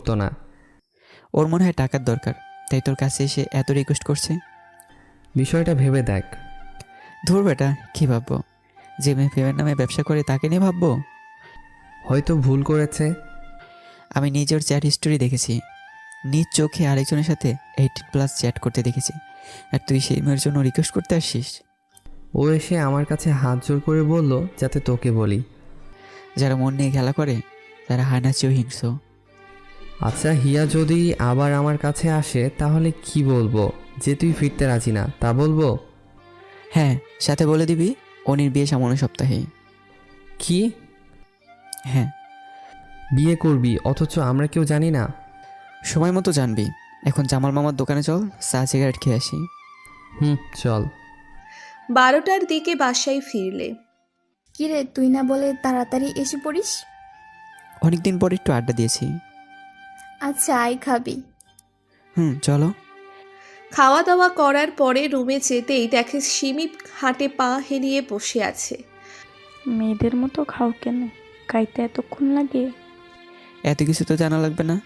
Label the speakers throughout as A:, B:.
A: তো না।
B: ওর মনে হয় টাকার দরকার, তাই তোর কাছে এসে এত রিকোয়েস্ট করছে।
A: বিষয়টা ভেবে দেখ।
B: ধুর বেটা, কী ভাববো? যে মেয়ে প্রেমের নামে ব্যবসা করে তাকে নিয়ে ভাববো?
A: হয়তো ভুল করেছে।
B: আমি নিজের চ্যাট হিস্টোরি দেখেছি, নিজ চোখে আরেকজনের সাথে 18+ চ্যাট করতে দেখেছি, আর তুই সেই মেয়ের জন্য রিকোয়েস্ট করতে আসছিস?
A: ও এসে আমার কাছে হাত জোর করে বলল যাতে তোকে বলি।
B: যারা মন নিয়ে খেলা করে তারা হায় না চেয়েও হিংস্র।
A: আচ্ছা, হিয়া যদি আবার আমার কাছে আসে তাহলে কি বলবো? যে তুই ফিরতে রাজি না তা বলবো?
B: হ্যাঁ, সাথে বলে দিবি অনির বিয়ে সামনের সপ্তাহে।
A: কি?
B: হ্যাঁ,
A: বিয়ে করবি অথচ আমরা কেউ জানি না?
B: সময় মতো জানবি। এখন জামাল মামার দোকানে চল, চা সিগারেট খেয়ে আসি।
A: চল।
C: 12টার দিকে বাসায় ফিরলে।
D: কিরে, তুই না বলে তাড়াতাড়ি এসে পড়িস?
B: অনেকদিন পর একটু আড্ডা দিয়েছি।
D: আচ্ছা, আয় খাবি?
B: চলো।
C: খাওয়া দাওয়া করার পরে রুমে যেতেই দেখে সিমি হাঁটে পা হেলিয়ে বসে আছে।
E: মেয়েদের মতো খাও কেন? খাইতে এতক্ষণ লাগে?
B: এত কিছু তো জানা লাগবে না।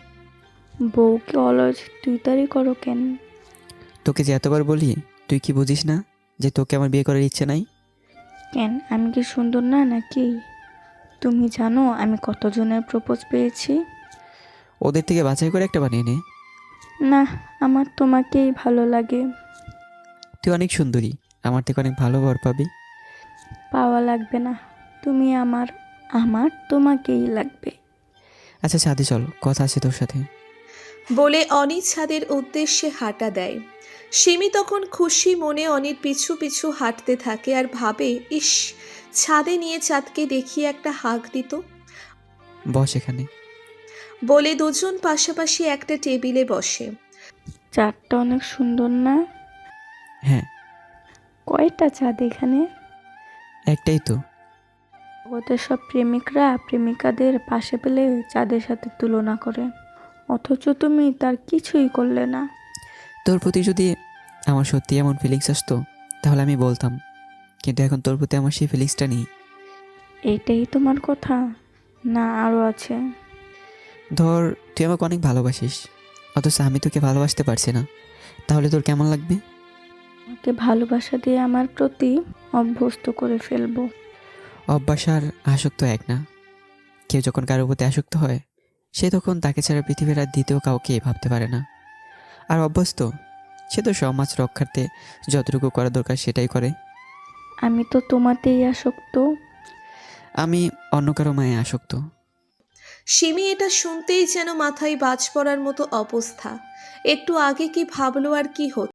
E: বউকে অলস তুই তারি করো কেন?
B: তোকে যে এতবার বলি, তুই কি বুঝিস না যে তোকে আমার বিয়ে করার ইচ্ছে নাই?
E: কেন, আমি কি সুন্দর না নাকি? তুমি জানো আমি কতজনের প্রপোজ পেয়েছি?
B: ওদের থেকে বাছাই করে একটা বানিয়ে নে।
E: না, আমার তোমাকেই ভালো লাগে।
B: তুই অনেক সুন্দরী, আমার থেকে অনেক ভালো বর পাবি।
E: পাওয়া লাগবে না, তুমি আমার, আমার তোমাকেই লাগবে।
B: আচ্ছা ছাদে চল, কথা আছে তোর সাথে।
C: বলে অনি ছাদের উদ্দেশ্যে হাঁটা দেয়। সিমি তখন খুশি মনে অনির পিছু পিছু হাঁটতে থাকে আর ভাবে, ইস, ছাদে নিয়ে চাঁদকে দেখিয়ে একটা হাঁক দিত।
B: বস এখানে।
C: বলে দুজন পাশাপাশি একটা টেবিলে বসে।
E: চাঁদটা অনেক সুন্দর না?
B: হ্যাঁ।
E: কয়টা চাঁদ এখানে?
B: একটাই তো।
E: জগতের সব প্রেমিকরা প্রেমিকাদের পাশে পেলে চাঁদের সাথে তুলনা করে, অথচ তুমি তার কিছুই করলে না।
B: তোর প্রতি যদি আমার সত্যি এমন ফিলিংস আসতো তাহলে আমি বলতাম, কিন্তু এখন তোর প্রতি আমার সেই ফিলিংসটা নেই।
E: এইটাই তোমার কথা? না আরও আছে?
B: ধর, তুই আমাকে অনেক ভালোবাসিস, অথচ আমি তোকে ভালোবাসতে পারছি না, তাহলে তোর কেমন লাগবে?
E: আমাকে ভালোবাসা দিয়ে আমার প্রতি অভ্যস্ত করে ফেলবো।
B: অভ্যাস আর আসক্ত এক না। কেউ যখন কারোর প্রতি আসক্ত হয় সে তখন তাকে ছাড়া পৃথিবীর আর দ্বিতীয় কাউকে ভাবতে পারে না। আর অভ্যস্ত, সে তো সমাজ রক্ষার্থে যতটুকু করা দরকার সেটাই করে।
E: আমি তো তোমাতেই আসক্ত।
B: আমি অন্য কারো মায়ে আসক্ত।
C: সিমি এটা শুনতেই যেন মাথায় বাজ পড়ার মতো অবস্থা। একটু আগে কি ভাবলো আর কি হতো।